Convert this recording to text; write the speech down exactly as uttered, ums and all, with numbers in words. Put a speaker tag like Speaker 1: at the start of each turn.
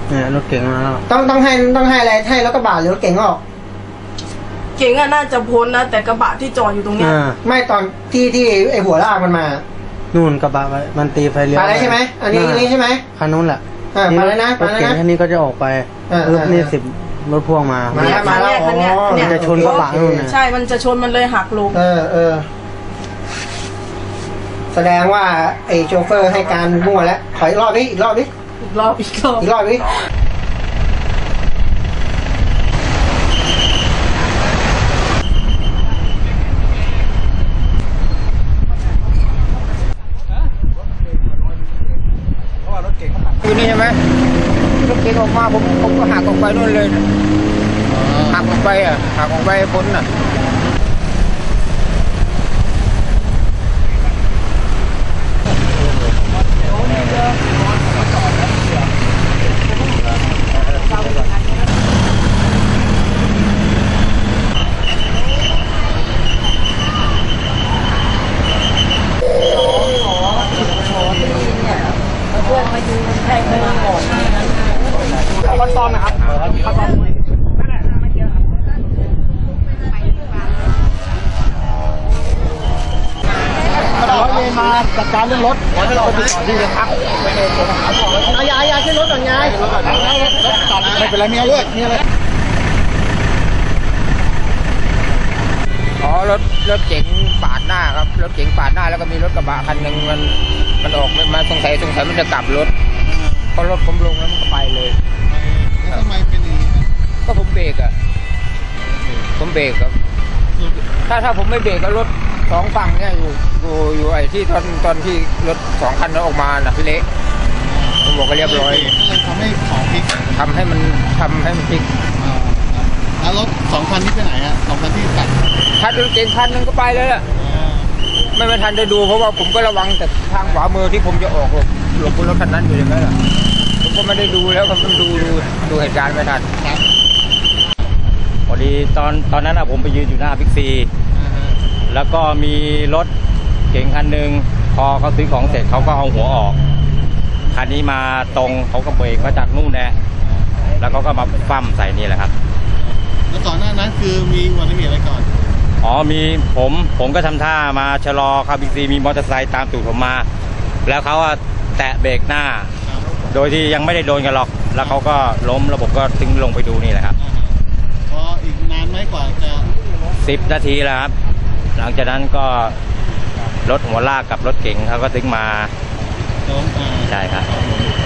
Speaker 1: เนี่ยรถเก๋งมาแล้ว
Speaker 2: ต้องต้องให้ต้องให้อะไรให้รถกระบะหรือรถเก๋งออก
Speaker 3: เก๋งอะน่าจะพ้นนะแต่กระบะที่จอดอยู่ตรงเนี้ย
Speaker 2: ไม่ตอนที่ที่ไอหัวลากมันมา
Speaker 1: นู่นกระบะมันตีไฟเลี้ยว
Speaker 2: ไปแล้วใช่ไหมอันนี้นี่ใช่ไหม
Speaker 1: คันนู้นแหละ
Speaker 2: มาแล้วนะ
Speaker 1: รถเก๋งคันนี้ก็จะออกไปรถนี่สิบรถพ่วงมา
Speaker 2: มาแล้วมาแล้ว
Speaker 1: มันจะชนกระบะนู่น
Speaker 3: ใช่มันจะชนมันเลยหักลง
Speaker 2: เออเออแสดงว่าไอ้โชเฟอร์ให้การมั่วแล้วขออีกรอบดิอีกรอบดิ
Speaker 3: อีกรอบอีกรอบ
Speaker 2: อีกรอบดิ
Speaker 4: อยู่นี่ใช่ไหมรถเก๋งออกมาผมผมก็หักออกไปนู่นเลยหักออกไปอ่ะหักออกไปพ้นอ่ะ
Speaker 2: ขั้นตอนนะครับขั้นตอนร้อยเวรมาจัดการเรื่องรถขอให้เราติดต่อที่เลยครับเอายายาขึ้นรถก่อนยายไม่เป็นไรมีอะไรมีอะไร
Speaker 4: อ๋อรถรถเก๋งปาดหน้าครับรถเก๋งปาดหน้าแล้วก็มีรถกระบะคันหนึ่งมันมันออกมาสงสัยสงสัยมันจะกลับรถพอรถผมลงแล้วมันก็ไปเลย
Speaker 5: แล้วทำไมเป็นอย่างนี้
Speaker 4: ก็ผมเบรกอ่ะผมเบรกครับถ้าถ้าผมไม่เบรกก็รถสองฝั่งเนี่ยอยู่อยู่อยู่ไอ้ที่ตอนตอนที่รถสองคันนั้นออกมาน่ะเละผมบอกก็เรียบร้อย
Speaker 5: ทำให้ของพลิก
Speaker 4: ทำให้มันทำให้มันพลิก
Speaker 5: แล้วรถสองคันนี้ไปไหนอ่ะสองคันที่กัด
Speaker 4: ถ้ารถเก๋งคันนึงก็ไปเลยล่ะไม่ไม่ทันได้ดูเพราะว่าผมก็ระวังแต่ทางขวามือที่ผมจะออกหลบหลบรถคันนั้นอยู่อย่างนั้นแหละผมก็ไม่ได้ดูแล้วผมดูดูดูเหตุการณ์ไม่ทัน
Speaker 6: พอดีตอนตอนนั้นผมไปยืนอยู่หน้าบิ๊กซีแล้วก็มีรถเก๋งคันหนึ่งพอเขาซื้อของเสร็จเขาก็เอาหัวออกคันนี้มาตรงเขาก็เบรกมาจากนู่นแน่แล้วเขาก็มาฟั่มใส่นี่แหละครับ
Speaker 5: แล้วก่อนหน้านั้นคือมีอุบัติเหตุอะไรก่อน
Speaker 6: อ๋อมีผมผมก็ทำท่ามาชะลอครับบิ๊กซีมีมอเตอร์ไซค์ตามตูดผมมาแล้วเขาแตะเบรกหน้าโดยที่ยังไม่ได้โดนกันหรอกแล้วเขาก็ล้มแล้วผมก็ถึงลงไปดูนี่แหละครับ
Speaker 5: พออีกนานไหมกว่าจะ
Speaker 6: สิบนาทีแล้วครับหลังจากนั้นก็รถหัวลากกับรถเก๋งเขาก็ถึงมา
Speaker 5: ล้ม
Speaker 6: ใช่ครับ